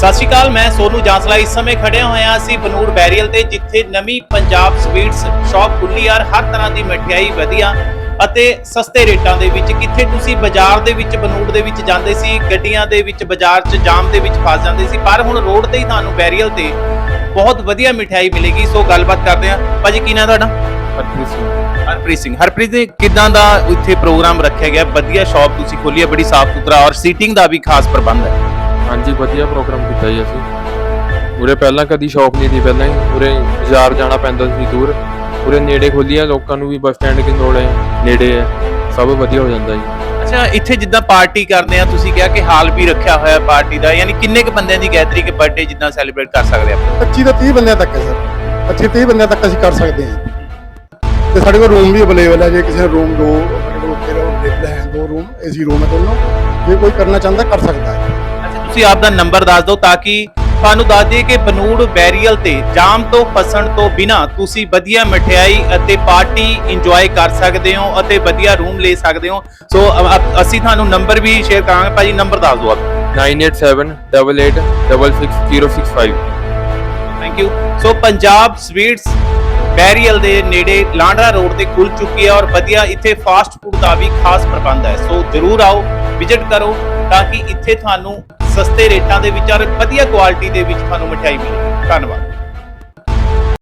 ਸਤਿ ਸ਼੍ਰੀ ਅਕਾਲ, ਮੈਂ ਸੋਨੂ ਜਾਂਸਲਾ। ਇਸ ਸਮੇਂ ਖੜਿਆ ਹੋਇਆ ਅਸੀਂ ਬਨੂੜ ਬੈਰੀਅਲ ਤੇ, ਜਿੱਥੇ ਨਵੀਂ ਪੰਜਾਬ ਸਵੀਟਸ ਸ਼ਾਪ ਖੁੱਲੀ ਯਾਰ। ਹਰ ਤਰ੍ਹਾਂ ਦੀ ਮਠਿਆਈ ਵਧੀਆ ਅਤੇ ਸਸਤੇ ਰੇਟਾਂ ਦੇ ਵਿੱਚ। ਕਿੱਥੇ ਤੁਸੀਂ ਬਾਜ਼ਾਰ ਦੇ ਵਿੱਚ ਬਨੂੜ ਦੇ ਵਿੱਚ ਜਾਂਦੇ ਸੀ, ਗੱਡੀਆਂ ਦੇ ਵਿੱਚ ਬਾਜ਼ਾਰ 'ਚ ਜਾਮ ਦੇ ਵਿੱਚ ਫਸ ਜਾਂਦੇ ਸੀ, ਪਰ ਹੁਣ ਰੋਡ ਤੇ ਹੀ ਤੁਹਾਨੂੰ ਬੈਰੀਅਲ ਤੇ ਬਹੁਤ ਵਧੀਆ ਮਠਿਆਈ ਮਿਲੇਗੀ। ਸੋ ਗੱਲਬਾਤ ਕਰਦੇ ਹਾਂ। ਭਾਜੀ ਕੀ ਨਾਮ ਤੁਹਾਡਾ? ਹਰਪ੍ਰੀਤ ਸਿੰਘ। ਹਰਪ੍ਰੀਤ ਜੀ, ਕਿਦਾਂ ਦਾ ਇੱਥੇ ਪ੍ਰੋਗਰਾਮ ਰੱਖਿਆ ਗਿਆ? ਵਧੀਆ ਸ਼ਾਪ ਤੁਸੀਂ ਖੋਲੀ ਹੈ, ਬੜੀ ਸਾਫ਼ ਸੁਥਰਾ, ਔਰ ਸੀਟਿੰਗ ਦਾ ਵੀ ਖਾਸ ਪ੍ਰਬੰਧ ਹੈ। ਹਾਂਜੀ, ਵਧੀਆ ਪ੍ਰੋਗਰਾਮ ਕੀਤਾ ਜੀ ਅਸੀਂ। ਉਰੇ ਪਹਿਲਾਂ ਕਦੀ ਸ਼ੌਪ ਨਹੀਂ ਸੀ, ਪਹਿਲਾਂ ਹੀ ਉਰੇ ਬਾਜ਼ਾਰ ਜਾਣਾ ਪੈਂਦਾ ਸੀ ਦੂਰ। ਉਰੇ ਨੇੜੇ ਖੋਲੀ ਆ, ਲੋਕਾਂ ਨੂੰ ਵੀ ਬੱਸ ਸਟੈਂਡ ਦੀ ਲੋੜ ਹੈ, ਨੇੜੇ ਹੈ, ਸਭ ਵਧੀਆ ਹੋ ਜਾਂਦਾ ਜੀ। ਅੱਛਾ, ਇੱਥੇ ਜਿੱਦਾਂ ਪਾਰਟੀ ਕਰਦੇ ਆ, ਤੁਸੀਂ ਕਿਹਾ ਕਿ ਹਾਲ ਵੀ ਰੱਖਿਆ ਹੋਇਆ ਪਾਰਟੀ ਦਾ, ਯਾਨੀ ਕਿੰਨੇ ਕੁ ਬੰਦਿਆਂ ਦੀ ਗੈਦਰਿੰਗ ਬਰਥਡੇ ਜਿੱਦਾਂ ਸੈਲੀਬ੍ਰੇਟ ਕਰ ਸਕਦੇ ਆਪਾਂ? 25 ਤੋਂ 30 ਬੰਦਿਆਂ ਤੱਕ ਹੈ ਸਰ। 25-30 ਬੰਦਿਆਂ ਤੱਕ ਅਸੀਂ ਕਰ ਸਕਦੇ ਹਾਂ। ਤੇ ਸਾਡੇ ਕੋਲ ਰੂਮ ਵੀ ਅਵੇਲੇਬਲ ਹੈ। ਜੇ ਕਿਸੇ ਰੂਮ ਦੋ ਅਵੇਲੇਬਲ ਹੈ, 2 ਰੂਮ ਏਸੀ ਰੂਮ ਹੈ ਦੋਨੋਂ। ਜੇ ਕੋਈ ਕਰਨਾ ਚਾਹੁੰਦਾ ਕਰ ਸਕਦਾ ਹੈ। ਅੱਛਾ, ਤੁਸੀਂ ਆਪ ਦਾ ਨੰਬਰ ਦੱਸ ਦਿਓ ਤਾਂ ਕਿ ਤੁਹਾਨੂੰ ਦੱਸ ਦਈਏ ਕਿ ਬਨੂੜ ਬੈਰੀਅਲ ਤੇ ਜਾਮ ਤੋਂ ਫਸਣ ਤੋਂ ਬਿਨਾ ਤੁਸੀਂ ਵਧੀਆ ਮਠਿਆਈ ਅਤੇ ਪਾਰਟੀ ਇੰਜੋਏ ਕਰ ਸਕਦੇ ਹੋ ਅਤੇ ਵਧੀਆ ਰੂਮ ਲੈ ਸਕਦੇ ਹੋ। ਸੋ ਅਸੀਂ ਤੁਹਾਨੂੰ ਨੰਬਰ ਵੀ ਸ਼ੇਅਰ ਕਰਾਂਗੇ। ਭਾਜੀ ਨੰਬਰ ਦੱਸ ਦਿਓ ਆਪ। 9878866065। Thank you. So Punjab sweets barrier ਦੇ ਨੇੜੇ ਲਾਂਡਰਾ ਰੋਡ ਤੇ ਖੁੱਲ ਚੁੱਕੀ ਹੈ, ਔਰ ਵਧੀਆ ਇੱਥੇ ਫਾਸਟ ਫੂਡ ਦਾ ਵੀ ਖਾਸ ਪ੍ਰਬੰਧ ਹੈ। ਸੋ ਜਰੂਰ ਆਓ, ਵਿਜ਼ਿਟ ਕਰੋ, ਤਾਂ ਕਿ ਇੱਥੇ ਤੁਹਾਨੂੰ ਸਸਤੇ ਰੇਟਾਂ ਦੇ ਵਿੱਚ ਔਰ ਵਧੀਆ ਕੁਆਲਿਟੀ ਦੇ ਵਿੱਚ ਤੁਹਾਨੂੰ ਮਠਿਆਈ ਮਿਲੇ। ਧੰਨਵਾਦ।